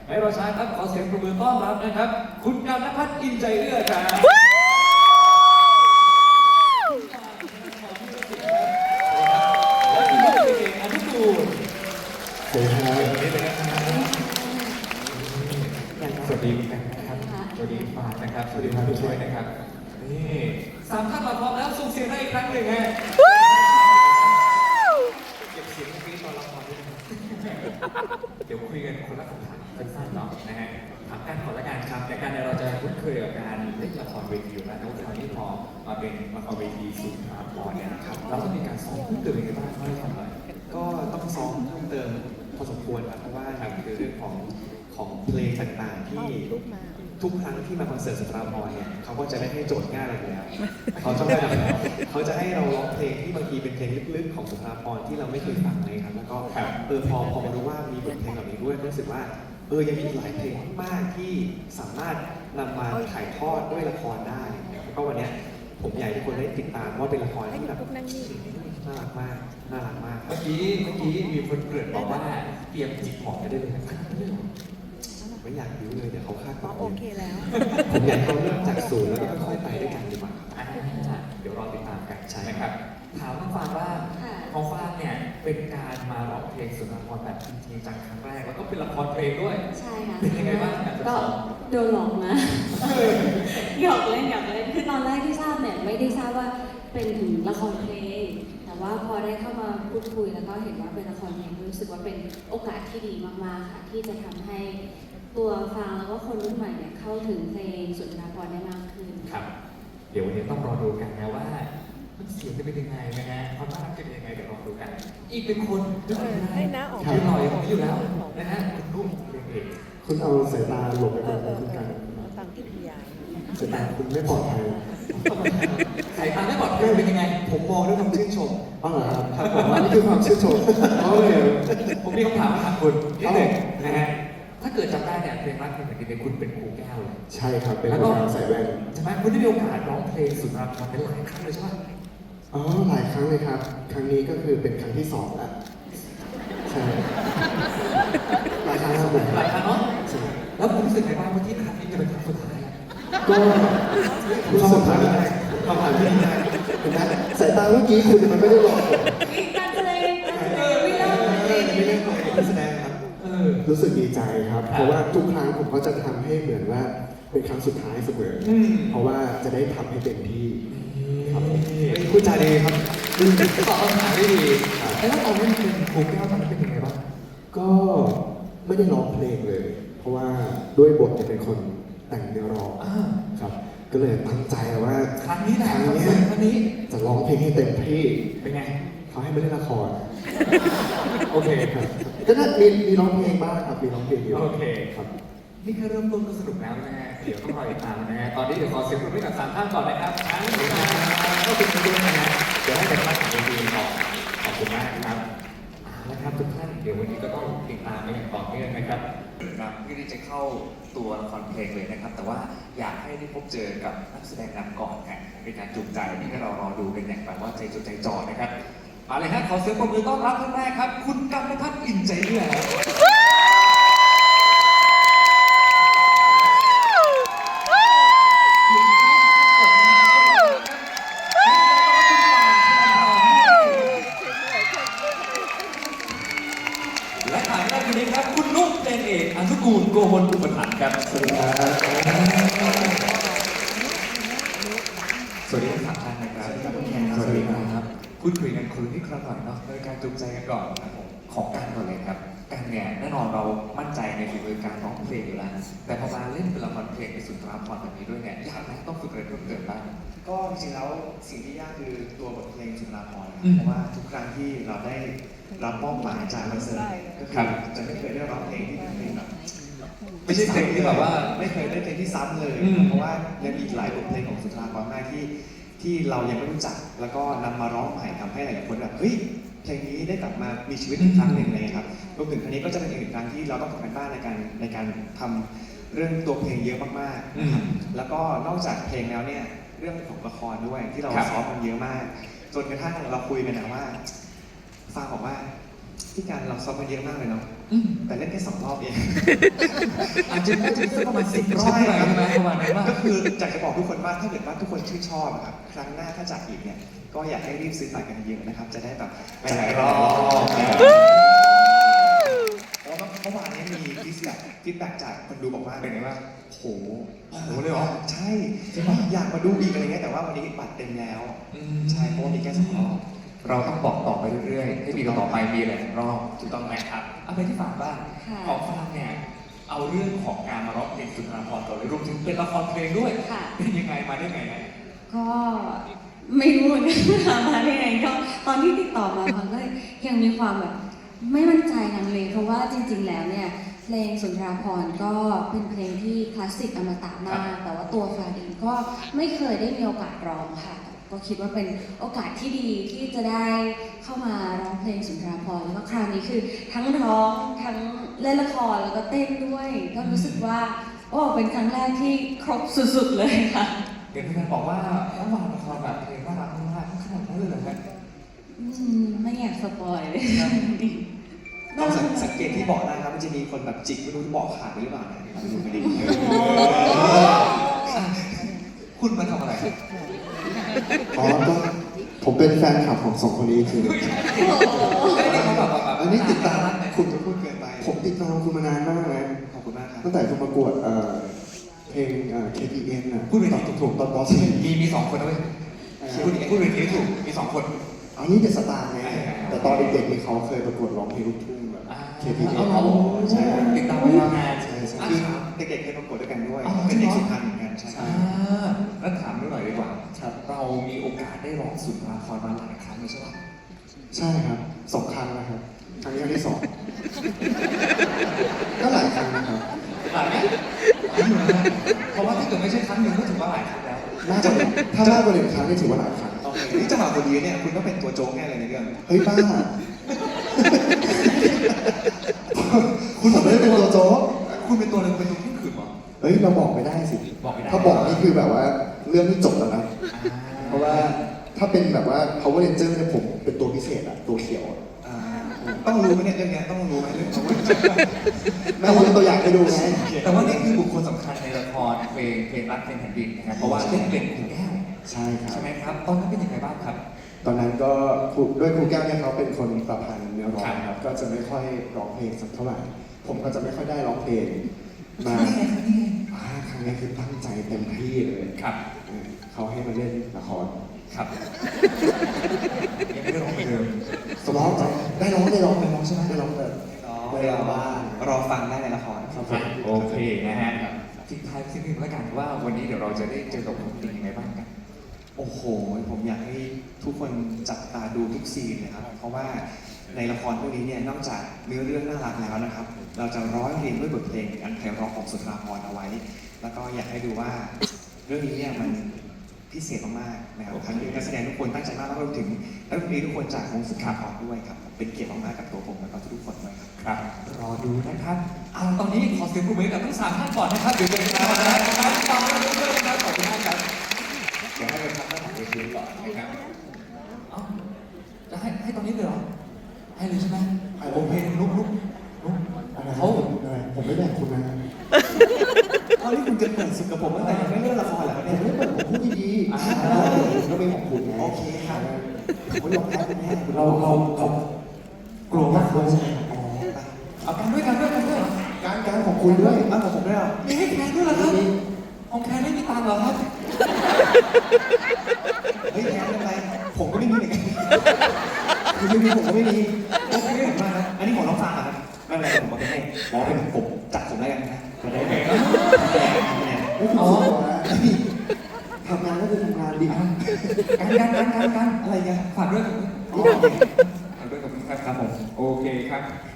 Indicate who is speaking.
Speaker 1: ไม่รอช้าครับขอเสียงปรบมือต้อนรับนะครับคุณกันณภัทรอินใจเอื้อครับและคุณลูกเอกอนุกูลสวัสดีครับสวัสดีกันนะครับสวัสดีฟานนะครับสวัสดีครับผู้ช่วยนะครับนี่สามท่านมาพร้อมแล้วส่งเสียงได้อีกครั้งหนึ่งฮะเก็บเสียงนี้ตอนละครด้วยเดี๋ยวคุยกันคนละคำถามสั้นๆเนาะนะฮะถามกันก่อนละกันครับแต่การเราจะคุ้นเคยกับการเล่นละครเวทีอยู่แล้วแต่ว่าคราวนี้พอมาเป็นละครเวทีสุดอาภรณ์เนี่ยครับเราต้องมีการซ้อมเพิ่มเติมยังไงบ้างให้ทำอะไร
Speaker 2: ก็ต้องซ้อมเพิ่มเติมพอสมควรครับเพราะว่าคือเรื่องของเพลงต่างๆที่ทุกครั้งที่มาคอนเสิร์ตสุนทรภรณ์เนี่ยเขาก็จะไม่ให้โจทย์ง่ายอะไรอยู่แล้วเขาจะให้เราร้องเพลงที่บางทีเป็นเพลงลึกๆของสุนทรภรณ์ที่เราไม่เคยฟังเลยครับแล้วก็พอมารู้ว่ามีบทเพลงเหล่านี้ด้วยก็รู้สึกว่ายังมีหลายเพลงมากที่สามารถนำมาถ่ายทอดด้วยละครได้แล้วก็วันนี้ผมอยากให้ทุกคนได้ติดตามว่าเป็นละครที่แบบน่ารักมากน่ารักมาก
Speaker 1: เมื่อกี้มีคนเกริ่นบอกว่าเตรียมจิกหอมได้เลย
Speaker 2: ไม่อยากรู้เลยเดี๋ยวเขาคาดหวัง
Speaker 3: โอเคแล้ว
Speaker 2: ผมอยากเขาเริ่มจากศูนย์แล้วก็ค่อยๆไปด้วยกันดีกว่า
Speaker 1: เดี๋ยวรอติดตามกันใช่ไหมครับถามน้องฟางว่าของฟางเนี่ยเป็นการมาร้องเพลงสุนทรภรณ์แบบจริงๆจังครั้งแรกแล้วก็เป็นละครเพลงด้วย
Speaker 3: ใช่ค่ะ
Speaker 1: เป็นยังไงบ้าง
Speaker 3: ก็โดนหลอกมาหยอกเล่นคือตอนแรกที่ทราบเนี่ยไม่ได้ทราบว่าเป็นถึงละครเพลงแต่ว่าพอได้เข้ามาพูดคุยแล้วก็เห็นว่าเป็นละครเพลงรู้สึกว่าเป็นโอกาสที่ดีมากๆค่ะที่จะทำให้ตัวฟังแล้วก็คนรุ่นใหม่เนี่ยเข้าถึงเพลงสุนทรภรณ์ได้มากขึ้น
Speaker 1: ครับเดี๋ยววันนี้ต้องรอดูกันนะว่าเสียงจะเป็นยังไงนะฮะความน่ารักจะเป็นยังไงเดี๋ยวรอดูกันอีกเป็นคน
Speaker 3: ให้น้าออก
Speaker 1: ยืนหน่อยอยู่แล้วนะฮะคุณรุ่งเรืองเอก
Speaker 2: คุณเอาสายตาหลบไปก่อนคุณกัน
Speaker 3: ฟังที่พยาย
Speaker 2: สายตาคุณไม่ปลอดภัย
Speaker 1: สายตาไม่ปลอดภัยเป็นยังไง
Speaker 2: ผมมองด้วยความชื่นชมอ๋อเหรอครับผมว่านี่คือความชื่นชมโอเค
Speaker 1: ผมมีคำถามถามคุณนิดหนึ่งนะฮะถ้าเกิดจำได้เนี่ยเพลงรักเพลงเหมือนกันคุณเป็นครูแก้วเลย
Speaker 2: ใช่ครับเป็นครูใส่แว่น
Speaker 1: ใช่ไหมคุณได้มีโอกาสร้องเพลงสุนทรภรณ์เป็นหลายครั้งเลยใช่ไหม
Speaker 2: อ๋อหลายครั้งเลยครับครั้งนี้ก็คือเป็นครั้งที่2แล้วใช่หลายครั้งครับ
Speaker 1: หลายครั้งเนาะแล้วผมรู้สึกไงบ้างว่าที่ครั้งนี้จะเป็นครั้งสุดท้าย
Speaker 2: ก็รู้สึกว่าคำถามที่ดีนะเห็นไหมสายตาเมื่อกี้คุณมันไม่ได้หลอก
Speaker 3: การแสดงไม่เล่า
Speaker 2: ไม่ได้ของการแสดงครับรู้สึกดีใจครับเพราะว่าทุกครั้งผมก็จะทำให้เหมือนว่าเป็นครั้งสุดท้ายเสมอเพราะว่าจะได้ทำให้เต็มที่ครับคุณจาดีครับ
Speaker 1: ตอบคำถามได้ดีแล้วตอนนี้เป็นครูแก้วตอนนั้นเป็นยังไงบ้าง
Speaker 2: ก็ไม่ได้ร้องเพลงเลย เพราะว่าด้วยบทจะเป็นคนแต่งเนื้อร้องครับก็เลยตั้งใจว่า
Speaker 1: ครั้งนี้
Speaker 2: จะร้องเพลงให้เต็มที่
Speaker 1: เป็นไง
Speaker 2: เขาให้ไม่เล่นละคร
Speaker 1: โอเค
Speaker 2: ครับก็น่ามีร้องเพลงบ้างครับมีร้องเพลงเยอะ
Speaker 1: โอเค
Speaker 2: ครับ
Speaker 1: นี่แค่เริ่มต้นก็สนุกแล้วนะฮะเดี๋ยวต้องรอติดตามนะฮะตอนนี้เดี๋ยวขอเสียงปรบมือกับ3ท่านก่อนนะครับทั้งก็เป็นด้วยนะฮะเดี๋ยวให้แต่ละท่านของทีมก่อนขอบคุณมากครับนะครับทุกท่านเดี๋ยววันนี้ก็ต้องติดตามไปอย่างต่อเนื่องนะครับ
Speaker 4: ครับที่ได้จะเข้าตัวละครเพลงเลยนะครับแต่ว่าอยากให้ได้พบเจอกับนักแสดงนำก่อนครับเป็นการจูงใจให้เรารอดูกันอย่างแบบว่าใจจดใจจ่อนะครับมาเลยฮะขอเสียงปรบมือต้อนรับท่านแรกครับคุณกันณภัทรอินใจเอื้อและถ่ายได้ทีนี้ครับคุณนุ๊กเดนเอกอนุกูลโกมลอุปถัมภ์ครับสวัสดีครับสวัสดีทั้ง3ท่านนะครับสวัสดีครับพูดคุยกันคุยที่ครั้งหน่อยเนาะโดยการจูงใจกันก่อนนะผมของการก่อนเลยครับการเนี่ยแน่นอนเรามั่นใจในฝีมือการร้องเพลงอยู่แล้วแต่พอมาเล่นเป็นละครเพลงในสุนทรภรณ์แบบนี้ด้วยเนี่ยยากไหมต้องฝึกอะไรเพิ่มเติมบ้าง
Speaker 5: ก็จริงๆแล้วสิ่งที่ยากคือตัวบทเพลงสุนทรภรณ์เพราะว่าทุกครั้งที่เราได้รับมอบหมายจากคอนเสิร์ตก็คือจะไม่เคยได้ร้องเพลงที่เป็นเพลงแบบ
Speaker 4: ไม่ใช่เพลงที่แบบว่า
Speaker 5: ไม่เคยได้เพลงที่ซ้ำเลยเพราะว่ายังมีหลายบทเพลงของสุนทรภรณ์มากที่เรายังไม่รู้จักแล้วก็นำมาร้องใหม่ทำให้หลายคนแบบเฮ้ยเพลงนี้ได้กลับมามีชีวิตอีกครั้งหนึ่งเลยครับรวมถึงครั้งนี้ก็จะเป็นอีกหนึ่งครั้งที่เราต้องทำกันบ้านในการทำเรื่องตัวเพลงเยอะมากๆแล้วก็นอกจากเพลงแล้วเนี่ยเรื่องของละครด้วยที่เราซ้อมกันเยอะมากจนกระทั่งเราคุยกันนะว่าฟังบอกว่าที่การเราซ้อมกันเยอะมากเลยเนาะ
Speaker 1: อืม
Speaker 5: แต่เล่นแค่2 รอบเอง
Speaker 1: อาจจะไม่ถึงสักประมาณ10 รอบอะไรใช่ไหมประมาณนั้นว่า
Speaker 5: ก็คืออยากจะบอกทุกคนว่าถ้าเกิดว่าทุกคนชื่นชอบอะครับครั้งหน้าถ้าจัดอีกเนี่ยก็อยากให้รีบซื้อบัตรกันเยอะนะครับ จะได้แบบไปหลายรอบเพราะว่าเมื่อวานนี้มีฟีดแบ็กจากคนดูบอกว่า
Speaker 1: เป็นไงบ้าง
Speaker 5: โห
Speaker 1: โหเลยเหรอ
Speaker 5: ใช่อยากมาดูอีกอะไรเงี้ยแต่ว่าวันนี้บัตรเต็มแล้ว ใช่เพราะว่ามีแค่2 รอบ
Speaker 1: เราต้องบอกต่อไปเรื่อยๆให้ปีต่อๆไปมีหลายๆรอบถูกต้องไหมครับเอาไปที่ฝากบ้าง
Speaker 3: ค่ะ
Speaker 1: ของฝากเนี่ยเอาเรื่องของการมาร้องเพลงสุนทรภรณ์ก่อนเลยรวมถึงเป็นละครเพลงด้วย
Speaker 3: ค่ะ
Speaker 1: เป็นยังไงมาได้ไงนะ
Speaker 3: ก็ไม่รู้เหมือนกันค่ะมาได้ไงก็ตอนที่ติดต่อมาพังก็ยังมีความแบบไม่มั่นใจลังเลเพราะว่าจริงๆแล้วเนี่ยเพลงสุนทราภรณ์ก็เป็นเพลงที่คลาสสิกอมตะมาก แต่ว่าตัวฟ้าเองก็ไม่เคยได้มีโอกาสร้องค่ะ ก็คิดว่าเป็นโอกาสที่ดีที่จะได้เข้ามาร้องเพลงสุนทราภรณ์แล้วก็คราวนี้คือทั้งร้องทั้งเล่นละครแล้วก็เต้นด้วย ก็รู้สึกว่าโอ้เป็นครั้งแรกที่ครบสุดๆเลยค่ะ
Speaker 1: เดี๋ยวพี่แม่บอกว่าเมื่อวานละครแบบเพลงน่ารักมากขนาดนั้นเลยเหรอครับ
Speaker 3: ไม่อยากสปอยเลย
Speaker 5: ต้องสังเกตที่เบาะได้ครับมันจะมีคนแบบจิกไม่รู้เบาะขาดไปหรือเปล่านะไม่รู้ไม่ได้
Speaker 1: คุณมาทำอะไร
Speaker 6: อ๋อก็ผมเป็นแฟนคลับของ2 คนนี้คือ
Speaker 1: ไม่ได้เขาแบบ
Speaker 6: อันนี้ติดตาม
Speaker 5: คุณจะพูดเกินไป
Speaker 6: ผมติดตามคุณมานานมากนะ
Speaker 5: ขอบคุณมากครับ
Speaker 6: ตั้งแต่คุณประกวดเพลงKPN น่ะ
Speaker 1: พูดไปถูก
Speaker 6: ตอนป
Speaker 1: มี2 คนนะเว้ยพูดไปถูกมี2 คน
Speaker 6: .4 อันนี้เดอะสตาร์ไงแต่ตอนเด็กๆนี่เขาเคยประกวดร้องเพลงลูกทุ่งแบบ KPN
Speaker 1: เอาใช่ติดตามมายาวนาน
Speaker 6: ใช่ใช่
Speaker 5: คือเด็กๆเคยประกวดด้วยกันด้วย
Speaker 1: อ๋อ
Speaker 5: เป็นเด็กสุพรรณเหมือนกันใช่
Speaker 1: แล้วถามหน่อยดีกว่า
Speaker 6: ครับ
Speaker 1: เรามีโอกาสได้ร้องสุนทรภรณ์มาหลายครั้งเลยใช่ไหม
Speaker 6: ใช่ครับ2 ครั้งนะครับครั้งนี้ครั้งที่ 2 ก็หลายครั้งนะครับ
Speaker 1: หลายไหมเพราะว่าถ้าเกิดไม่ใช่ครั้งหนึ่งก็ถือว่าหลายครั้งแล้ว
Speaker 6: น่าจะถ้ามากกว่า1 ครั้งนี่ถือว่าหลายครั้ง
Speaker 5: โอเคนี่จังหวะพอดีเนี่ยคุณต้องเป็นตัวโจ๊กแน่เลยในเรื่อง
Speaker 6: เฮ้ยบ้า คุณผมไม่ได้เป็นตัวโจ๊ก
Speaker 1: คุณเป็นตัวหนึ่งเป็นตัวที่ขืนหรอ
Speaker 6: เฮ้ยเราบอกไม่ได้สิ
Speaker 1: บอกไม่ได้
Speaker 6: ถ้าบอกนี่คือแบบว่าเรื่องที่จบแล้วนะ เพราะว่าถ้าเป็นแบบว่า Power Ranger เนี่ยผมเป็นตัวพิเศษอะตัวเขียวอะ
Speaker 5: ต้องรู้ไหมเนี่ยเรื่องเนี้ยต้องรู้ไหมเรื่องของ
Speaker 6: ไม่รู้ตัวอย่างให้ดูไง
Speaker 1: แต่ว่านี่คือบุคคลสำคัญในละครเพลงรักเพลงแผ่นดินนะครับเพราะว่าเล่นเป็นครูแก้ว
Speaker 6: ใช่ครับ
Speaker 1: ใช่ไหมครับตอนนั้นเป็นยังไงบ้างครับ
Speaker 6: ตอนนั้นก็ด้วยครูแก้วเนี่ยเขาเป็นคนประพันธ์เนื้อร้อง
Speaker 1: ค
Speaker 6: ค
Speaker 1: รั
Speaker 6: รับ บ ก็จะไม่ค่อยร้องเพลงสักเท่าไหร่ ผมก็จะไม่ค่อยได้ร้องเพลงมา
Speaker 1: นี่ไงครับนี่ไง
Speaker 6: ครั้งนี้คือตั้งใจเต็มที่เลย
Speaker 1: ครับ
Speaker 6: เขาให้มาเล่นละคร
Speaker 1: ครับยังไม่ได้ร้องเหมือนเดิม
Speaker 6: ร้องได้ร้องใช่ไหมได้ร้องแต่ได้ร้องบ้าง
Speaker 5: รอฟังได้ในละคร
Speaker 6: ครับผม
Speaker 1: โอเคนะฮะทิ้งท้ายสักนิดนึงแล้วกันว่าวันนี้เดี๋ยวเราจะได้เจอกับคุณเป็นยังไงบ้างกัน
Speaker 5: โอ้โห ผมอยากให้ทุกคนจับตาดูทุกซีนเลยครับ เพราะว่าในละครพวกนี้เนี่ย นอกจากเนื้อเรื่องน่ารักแล้วนะครับ เราจะร้อยเรียงด้วยบทเพลงอันไพเราะของสุนทราภรณ์เอาไว้ แล้วก็อยากให้ดูว่าเรื่องนี้เนี่ยมันพิเศษมากๆนะครับทั้งนักแสดงทุกคนตั้งใจมากแล้วรวมถึงนักดนตรีทุกคนจากวงสุนทราภรณ์ด้วยครับ เป็นเกียรติมากๆกับตัวผมแล้วก็ทุกคนด้วยครับ
Speaker 1: ครับ รอดูนะครับเอาตอนนี้ขอเสียงปรบมือกับทั้ง3 ท่านก่อนนะครับเดี๋ยวจะไปฟังนะครับฟังเรื่องด้วยนะครับขอบคุณมากครับเดี๋ยวให้ไปพักด้านหลังเวทีก่อนนะครับเอ้าจะให้ตอนนี้เลยเหรอให้เลยใช่ไหมโอเคลุก
Speaker 6: อะไร
Speaker 1: เขา
Speaker 6: อะไรผมไม่แบ่งคุณนะ
Speaker 5: ตอนนี้คุณจะเปิดศึกกับผมตั้งแต่ยังไม่เริ่มละครเหรอครับ
Speaker 6: ผ
Speaker 5: เนี่ย
Speaker 6: มไม่เปิดผมพูดดีๆผมก็เป็นของคุณไง
Speaker 5: โอเคครับ
Speaker 6: ผมยอมแพ้คุณแน่
Speaker 1: เรากลัวมากเลย
Speaker 6: อ๋อ
Speaker 1: เอากันด้วย
Speaker 6: การของคุณด้วย
Speaker 5: อ้าวของผมด้วยเหรอ
Speaker 1: มีให้แคนด้วยเหรอครับของแคนไม่มีตังค์เหรอครับ
Speaker 5: เฮ้ยแพ้ไม่เป็นไรผมก็ไม่มีเหมือนกันคุณไม่มีผมก็ไม่มีโอเคผมมากนะอันนี้ของน้องฟางเหรอครับไม่เป็นไรผมเอาไปให้บอกว่าเป็นผมจัดผมแล้วกันนะมาได้ไหมครับ
Speaker 6: ไม่ถูกตัวนะทำงานก็คือทำงานดีครับ
Speaker 1: กันอะไรกันฝากด้วยกับฝากด้วยกับคุณครับผมโอเคครับ